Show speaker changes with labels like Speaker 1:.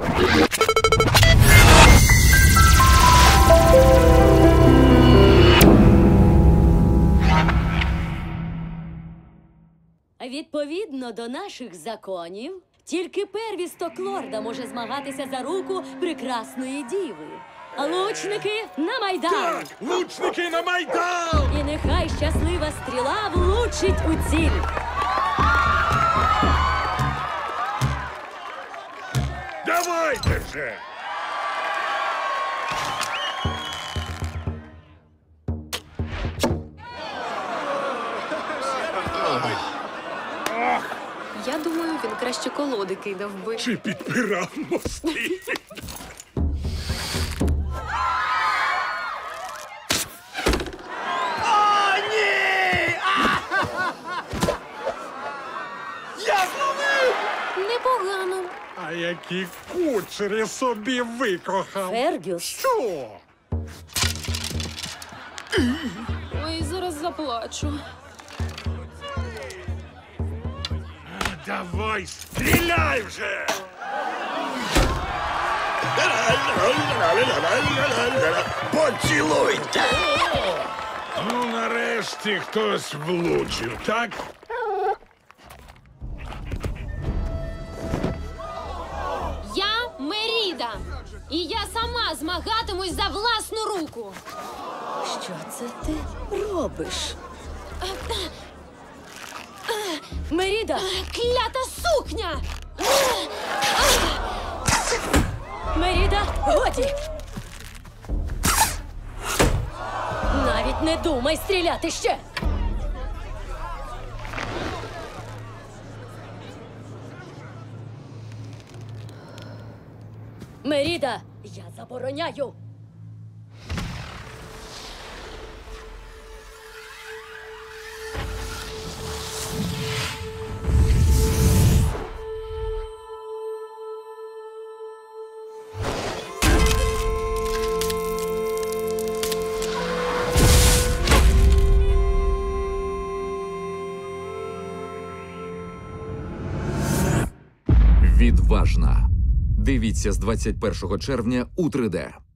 Speaker 1: Відповідно до наших законів, тільки первісток лорда може змагатися за руку прекрасної діви. Лучники на Майдан!
Speaker 2: Так! Лучники на Майдан!
Speaker 1: І нехай щаслива стріла влучить у ціль.
Speaker 2: Давайте вже!
Speaker 3: Я думаю, він краще колоди кидав би.
Speaker 2: Чи підпирав мости? О, ні! Я зловив!
Speaker 3: Непогано.
Speaker 2: А які кучері собі викохав!
Speaker 1: Фергюс,
Speaker 2: Що?
Speaker 3: Ой, зараз заплачу.
Speaker 2: Давай, стріляй вже!
Speaker 4: Поцілуйте!
Speaker 2: Ну, нарешті хтось влучив, так?
Speaker 3: Я Меріда. І я сама змагатимусь за власну руку.
Speaker 1: що це ти робиш? Меріда!
Speaker 3: Клята сукня!
Speaker 1: Меріда, годі! Навіть не думай стріляти ще! Меріда, я забороняю!
Speaker 5: Відважна. Дивіться з 21 червня у 3D.